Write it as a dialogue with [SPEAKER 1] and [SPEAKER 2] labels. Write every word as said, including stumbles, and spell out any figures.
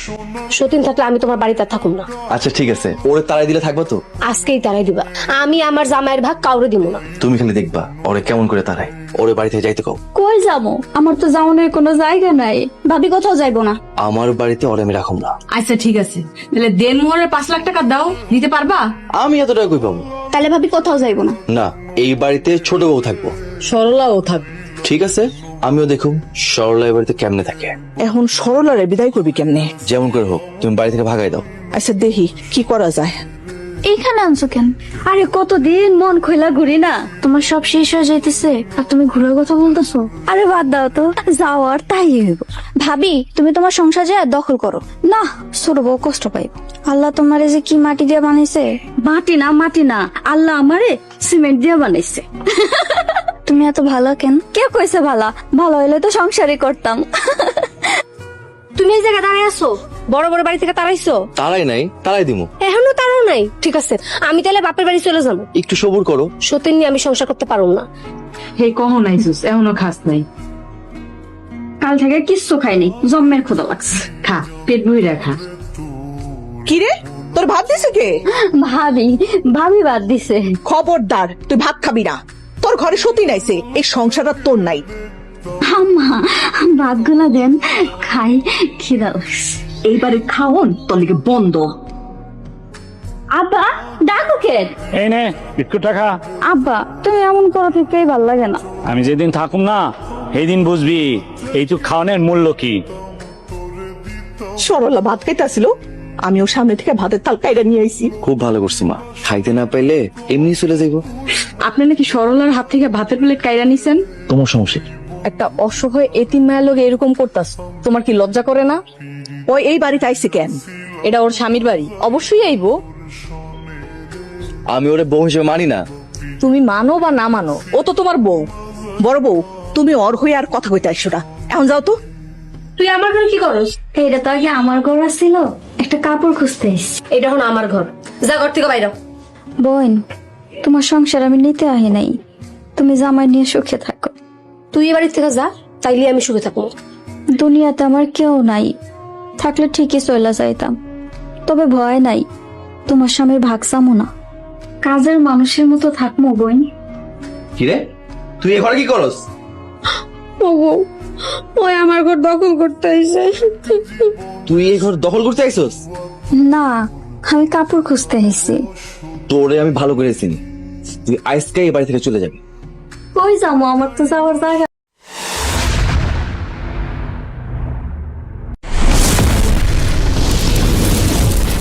[SPEAKER 1] সতীন থাকলে আমি তোমার বাড়িতে আর থাকুম না।
[SPEAKER 2] আচ্ছা ঠিক আছে, ওরে তাড়াই দিলে থাকবো তো?
[SPEAKER 1] আজকেই তারাই দিবা, আমি আমার জামাইয়ের ভাগ কাউরে দিব না।
[SPEAKER 2] তুমি খালি দেখবা ওরে কেমন করে তাড়াই। ওরে বাড়ি থেকে যাইতে কও।
[SPEAKER 3] কই যাবো? আমার তো যাওয়ানোর কোনো জায়গা নাই। ভাবি কোথাও যাইবো না।
[SPEAKER 2] আমার বাড়িতে ওরে আমি রাখুম না।
[SPEAKER 4] আচ্ছা ঠিক আছে, তাহলে দেন মোহরের পাঁচ লাখ টাকা দাও, দিতে পারবা?
[SPEAKER 2] আমি এত টাকা কই পাবো?
[SPEAKER 3] তাহলে ভাবি কোথাও যাইবো না।
[SPEAKER 2] না, এই বাড়িতে ছোট বউ থাকবো।
[SPEAKER 4] সরলাও থাকবে।
[SPEAKER 2] ঠিক আছে, আমিও দেখুম সরলা এই বাড়িতে কেমনে থাকে।
[SPEAKER 5] এখন সরলারে বিদায় করবি কেমনে?
[SPEAKER 2] যেমন করে হোক তুমি বাড়ি থেকে ভাগাই দাও।
[SPEAKER 5] আচ্ছা দেখি কি করা যায়।
[SPEAKER 3] এইখানে আনছো কেন? আরে কতদিন মন খোলা ঘুরি না, তোমার সব শেষ হয়ে যাইতেছে আর তুমি ঘুরার কথা বলতেছো। আরে বাদ দাও তো, যাওয়ার তাই হইব। ভাবি তুমি তোমার সংসার যা দখল করো না, ছোট বউ কষ্ট পাইব। আল্লাহ তোমারে যে কি মাটি দিয়ে বানাইছে। মাটি না মাটি না, আল্লাহ আমারে সিমেন্ট দিয়ে বানাইছে। তুমি এত ভালো কেন? কে কইছে ভালো? ভালো হইলে তো সংসারই করতাম।
[SPEAKER 1] তুমি এই জায়গায় দাঁড়িয়ে আছো, বড় বড় বাড়ি থেকে তাড়াইছো।
[SPEAKER 2] তারাই নাই, তারাই দিমু।
[SPEAKER 1] এখনো তারাও নাই, ঠিক আছে আমি তাহলে বাপের বাড়ি চলে যাবো।
[SPEAKER 2] একটু সবুর করো।
[SPEAKER 1] সতীন নিয়ে আমি সংসার করতে পারবো না।
[SPEAKER 4] হে কখন আইসুস, এখনো খাস নাই?
[SPEAKER 3] কাল থেকে কিচ্ছু খাইনি, জম্মের ক্ষুধা লাগছে।
[SPEAKER 4] খা, পেট ভরে খা।
[SPEAKER 5] কি রে, তোর ভাত দিছে কে?
[SPEAKER 3] ভাবি ভাবি বাদ দিছে।
[SPEAKER 5] খবরদার, তুই ভাত খাবি না। তোর ঘরে সতী নাইছে, এই সংসার আর তোর নাই।
[SPEAKER 3] আম্মা ভাত গুলা দেন, খাই, খিদা লাগছে।
[SPEAKER 4] এইবারে খাওন তোর লিগে বন্ধ।
[SPEAKER 3] আব্বা ডাকো কে?
[SPEAKER 6] এই নে বিস্কুটটা খা।
[SPEAKER 3] আব্বা তুমি এমন করো থেকেই ভাল লাগে না।
[SPEAKER 6] আমি যেদিন থাকুম না সেই দিন বুঝবি এইটুক খাওয়ানোর মূল্য কি।
[SPEAKER 5] সরলা ভাত খাইতেছিল, আমিও সামনে থেকে ভাতের তাল কাইরা নিয়ে আইছি।
[SPEAKER 2] খুব ভালো করছি মা, খাইতে না পাইলে এমনি চলে যাইবো।
[SPEAKER 4] আপনি নাকি সরলার হাত থেকে ভাতের প্লেট কাইরা নিছেন?
[SPEAKER 2] তোমার সমস্যা কি?
[SPEAKER 4] একটা অসহায় এতিম মায়ের লোক এরকম করতাস, তোমার কি লজ্জা করে না?
[SPEAKER 5] ওই এই বাড়িতে আইছে কেন?
[SPEAKER 4] এটা ওর স্বামীর বাড়ি, অবশ্যই আইবো।
[SPEAKER 2] আমি ওরে বউ হিসেবে মানি না।
[SPEAKER 4] তুমি মানো বা না মানো, ও তো তোমার বউ।
[SPEAKER 5] বড় বউ, তুমি অর হয়ে আর কথা কইতে আইসো না। এখন যাও তো।
[SPEAKER 1] তুই আমার ঘরে কি করস?
[SPEAKER 3] এটা তো আগে আমার ঘর ছিল, একটা কাপড় খুঁজতে এসেছি।
[SPEAKER 1] এটা এখন আমার ঘর, যা ঘর থেকে বাইরে।
[SPEAKER 3] বোন তোমার সংসার আমি নিতে আহি নাই, তুমি জামাই নিয়ে সুখে থাকো।
[SPEAKER 1] তুই এ বাড়ি থেকে যা, তাইলে আমি সুখে থাকবো।
[SPEAKER 3] দুনিয়াতে আমার কেউ নাই, থাকলে ঠিকই চলে যাইতাম। তবে ভয় নাই, তোমার স্বামীর ভাগ চামো না, কাজের মানুষের মতো থাকবো বোন।
[SPEAKER 2] কিরে, তুই এ ঘরে কি করস?
[SPEAKER 1] ওগো, ওই আমার ঘর দখল করতে আইছে।
[SPEAKER 2] তুই এই ঘর দখল করতে আইছস?
[SPEAKER 3] না, আমি কাপড় খুঁজতে এসেছি।
[SPEAKER 2] তোরে আমি ভালো করে চিনি, তুই আজকে এই বাড়ি থেকে চলে যাবি।
[SPEAKER 3] কই যাবো? আমার তো যাওয়ার জায়গা